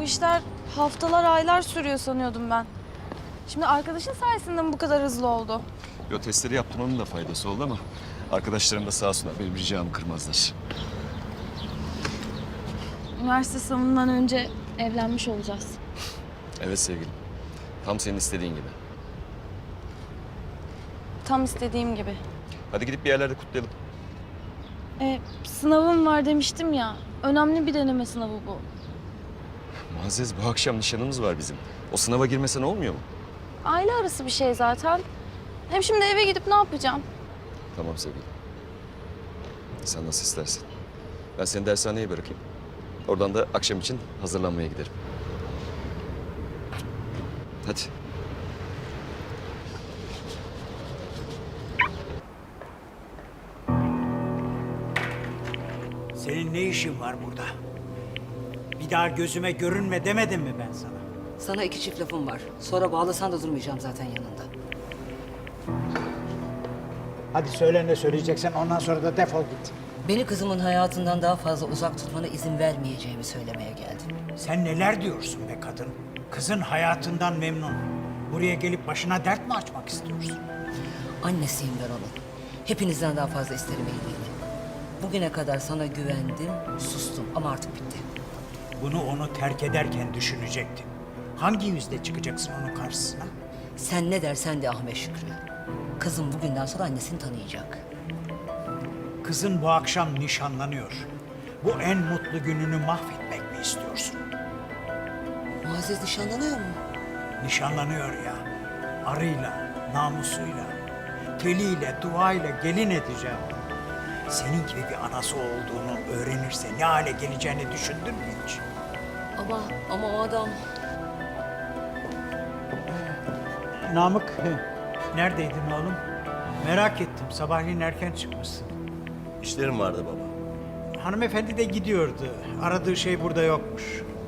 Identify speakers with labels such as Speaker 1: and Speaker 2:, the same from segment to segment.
Speaker 1: işler haftalar, aylar sürüyor sanıyordum ben. Şimdi arkadaşın sayesinde mi bu kadar hızlı oldu?
Speaker 2: Yo, testleri yaptım, onun da faydası oldu ama arkadaşlarım da sağ olsunlar benim ricamı kırmazlar.
Speaker 1: Üniversite sınavından önce evlenmiş olacağız.
Speaker 2: Evet sevgilim. Tam senin istediğin gibi.
Speaker 1: Tam istediğim gibi.
Speaker 2: Hadi gidip bir yerlerde kutlayalım.
Speaker 1: Sınavım var demiştim ya. Önemli bir deneme sınavı bu.
Speaker 2: Muazzez, bu akşam nişanımız var bizim. O sınava girmesen olmuyor mu?
Speaker 1: Aile arası bir şey zaten. Hem şimdi eve gidip ne yapacağım?
Speaker 2: Tamam sevgilim. Sen nasıl istersen. Ben seni dershaneye bırakayım. Oradan da akşam için hazırlanmaya giderim. Hadi.
Speaker 3: Senin ne işin var burada? Bir daha gözüme görünme demedim mi ben sana?
Speaker 4: Sana iki çift lafım var. Sonra bağlasan da durmayacağım zaten yanında.
Speaker 3: Hadi söyle ne söyleyeceksen, ondan sonra da defol git.
Speaker 4: Beni kızımın hayatından daha fazla uzak tutmana izin vermeyeceğimi söylemeye geldim.
Speaker 3: Sen neler diyorsun be kadın? Kızın hayatından memnun. Buraya gelip başına dert mi açmak istiyorsun?
Speaker 4: Annesiyim ben onun. Hepinizden daha fazla isterim iyiliğini. Bugüne kadar sana güvendim, sustum ama artık bitti.
Speaker 3: Bunu onu terk ederken düşünecektin. Hangi yüzle çıkacaksın onun karşısına?
Speaker 4: Sen ne dersen de Ahmet Şükrü. Kızım bugünden sonra annesini tanıyacak.
Speaker 3: Kızın bu akşam nişanlanıyor. Bu en mutlu gününü mahvetmek mi istiyorsun?
Speaker 4: Muazzez nişanlanıyor mu?
Speaker 3: Nişanlanıyor ya. Arıyla, namusuyla, teliyle, duayla gelin edeceğim. Senin gibi bir anası olduğunu öğrenirse ne hale geleceğini düşündün mü hiç?
Speaker 4: Ama o adam...
Speaker 3: Namık, neredeydin oğlum? Merak ettim, sabahleyin erken çıkmışsın.
Speaker 5: İşlerim vardı baba.
Speaker 3: Hanımefendi de gidiyordu. Aradığı şey burada yokmuş.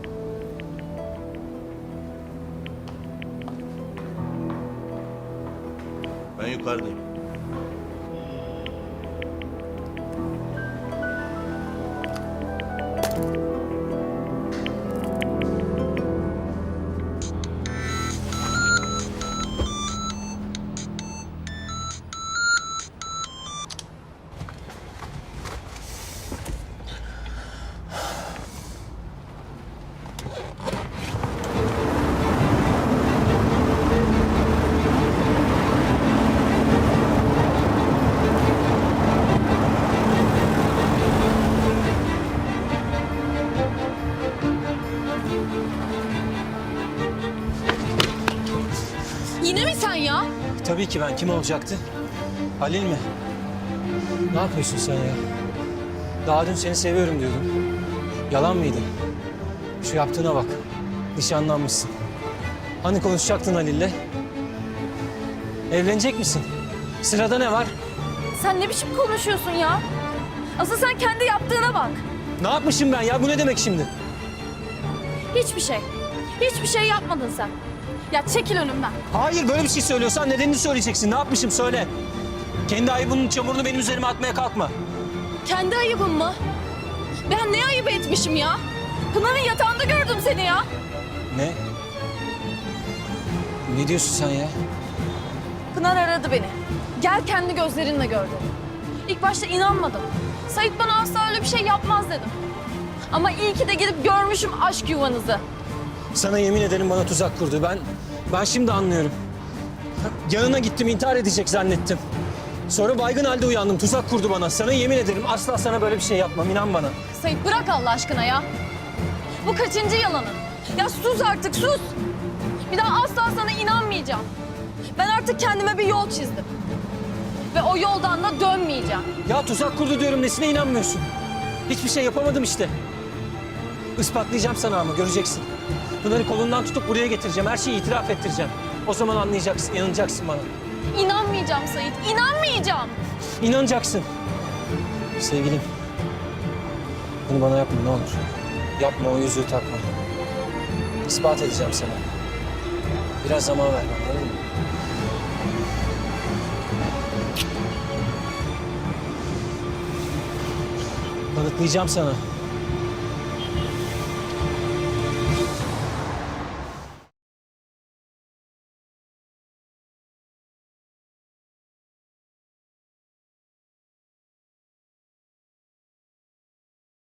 Speaker 5: Ben yukarıdayım.
Speaker 1: Yine mi sen ya?
Speaker 6: Tabii ki ben. Kim olacaktı? Halil mi? Ne yapıyorsun sen ya? Daha dün seni seviyorum diyordun. Yalan mıydı? Şu yaptığına bak. Nişanlanmışsın. Hani konuşacaktın Halil'le? Evlenecek misin? Sırada ne var?
Speaker 1: Sen ne biçim konuşuyorsun ya? Asıl sen kendi yaptığına bak.
Speaker 6: Ne yapmışım ben ya? Bu ne demek şimdi?
Speaker 1: Hiçbir şey. Hiçbir şey yapmadın sen. Ya çekil önümden.
Speaker 6: Hayır, böyle bir şey söylüyorsan nedenini söyleyeceksin. Ne yapmışım söyle. Kendi ayıbının çamurunu benim üzerime atmaya kalkma.
Speaker 1: Kendi ayıbım mı? Ben ne ayıp etmişim ya? Pınar'ın yatağında gördüm seni ya.
Speaker 6: Ne? Ne diyorsun sen ya?
Speaker 1: Pınar aradı beni. Gel kendi gözlerinle gör dedi. İlk başta inanmadım. Sait bana asla öyle bir şey yapmaz dedim. Ama iyi ki de gidip görmüşüm aşk yuvanızı.
Speaker 6: Sana yemin ederim bana tuzak kurdu. Ben şimdi anlıyorum. Yanına gittim, intihar edecek zannettim. Sonra baygın halde uyandım. Tuzak kurdu bana. Sana yemin ederim asla sana böyle bir şey yapmam. İnan bana.
Speaker 1: Sait bırak Allah aşkına ya. Bu kaçıncı yalanın? Ya sus artık sus. Bir daha asla sana inanmayacağım. Ben artık kendime bir yol çizdim. Ve o yoldan da dönmeyeceğim.
Speaker 6: Ya tuzak kurdu diyorum. Nesine inanmıyorsun? Hiçbir şey yapamadım işte. Ispatlayacağım sana ama göreceksin. Pınar'ı kolundan tutup buraya getireceğim. Her şeyi itiraf ettireceğim. O zaman anlayacaksın, inanacaksın bana.
Speaker 1: İnanmayacağım Sait, inanmayacağım.
Speaker 6: İnanacaksın. Sevgilim. Bunu bana yapma ne olur. Yapma, o yüzüğü takma. İspat edeceğim sana. Biraz zaman ver bana, anladın mı? Kanıtlayacağım sana.